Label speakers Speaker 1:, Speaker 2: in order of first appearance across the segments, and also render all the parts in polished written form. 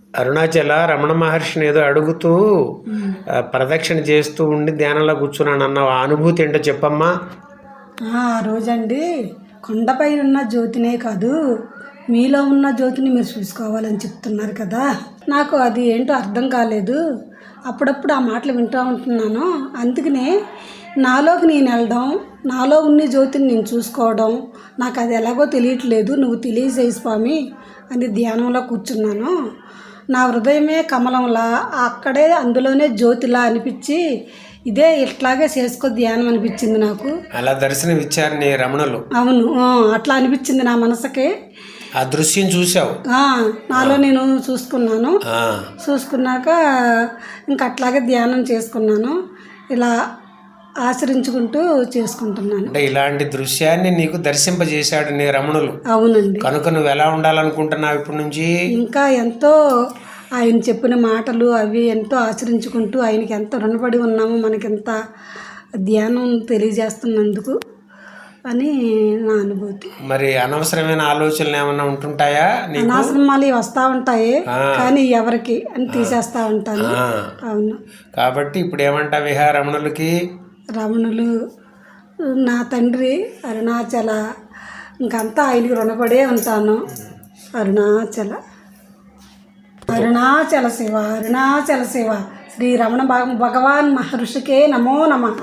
Speaker 1: అరుణాచల రమణ మహర్షిని ఏదో అడుగుతూ ప్రదక్షిణ చేస్తూ ఉండి ధ్యానంలో కూర్చున్నాను అన్నావు. ఆ అనుభూతి ఏంటో చెప్పమ్మా.
Speaker 2: ఆ రోజండి కొండపై ఉన్న జ్యోతినే కాదు, మీలో ఉన్న జ్యోతిని మీరు చూసుకోవాలని చెప్తున్నారు కదా. నాకు అది ఏంటో అర్థం కాలేదు. అప్పుడప్పుడు ఆ మాటలు వింటూ ఉంటున్నాను. అందుకనే నాలోకి నేను వెళ్ళడం, నాలో ఉన్న జ్యోతిని నేను చూసుకోవడం, నాకు అది ఎలాగో తెలియట్లేదు, నువ్వు తెలియజేయి స్వామి అని ధ్యానంలో కూర్చున్నాను. నా హృదయమే కమలంలా, అక్కడే అందులోనే జ్యోతిలా అనిపించి, ఇదే ఇట్లాగే చేసుకో ధ్యానం అనిపించింది నాకు.
Speaker 1: అలా దర్శనం ఇచ్చారు నీ రమణులు.
Speaker 2: అవును, అట్లా అనిపించింది నా మనసుకి.
Speaker 1: ఆ దృశ్యం చూసావు?
Speaker 2: నాలో నేను చూసుకున్నాను. చూసుకున్నాక ఇంక అట్లాగే ధ్యానం చేసుకున్నాను. ఇలా ఆచరించుకుంటూ చేసుకుంటున్నాను.
Speaker 1: అంటే ఇలాంటి దృశ్యాన్ని నీకు దర్శింపజేశాడు నీ రమణులు.
Speaker 2: అవునండి.
Speaker 1: కనుక నువ్వు ఎలా ఉండాలనుకుంటున్నావు ఇప్పటి నుంచి?
Speaker 2: ఇంకా ఎంతో ఆయన చెప్పిన మాటలు అవి ఎంతో ఆచరించుకుంటూ ఆయనకి ఎంత రుణపడి ఉన్నాము, మనకెంత ధ్యానం తెలియజేస్తున్నందుకు అని నా అనుభూతి.
Speaker 1: మరి అనవసరమైన ఆలోచనలు ఏమైనా ఉంటుంటాయా?
Speaker 2: అనవసరమాలు వస్తూ ఉంటాయి, కానీ ఎవరికి అని తీసేస్తూ ఉంటాను. అవును.
Speaker 1: కాబట్టి ఇప్పుడు ఏమంటావు రమణులకి?
Speaker 2: రమణులు నా తండ్రి అరుణాచల, ఇంకంతా ఆయనకి రుణపడే ఉంటాను. అరుణాచల అరుణాచల శివ, అరుణాచల శివ, శ్రీ రమణ భగవాన్ మహర్షికే నమో నమః.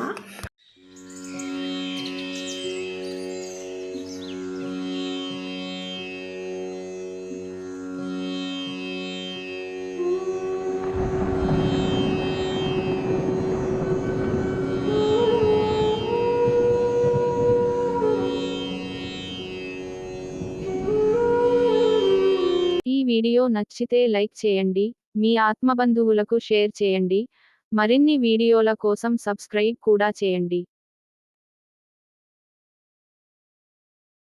Speaker 3: ఈ వీడియో నచ్చితే లైక్ చేయండి, మీ ఆత్మబంధువులకు షేర్ చేయండి, మరిన్ని వీడియోల కోసం సబ్స్క్రైబ్ కూడా చేయండి.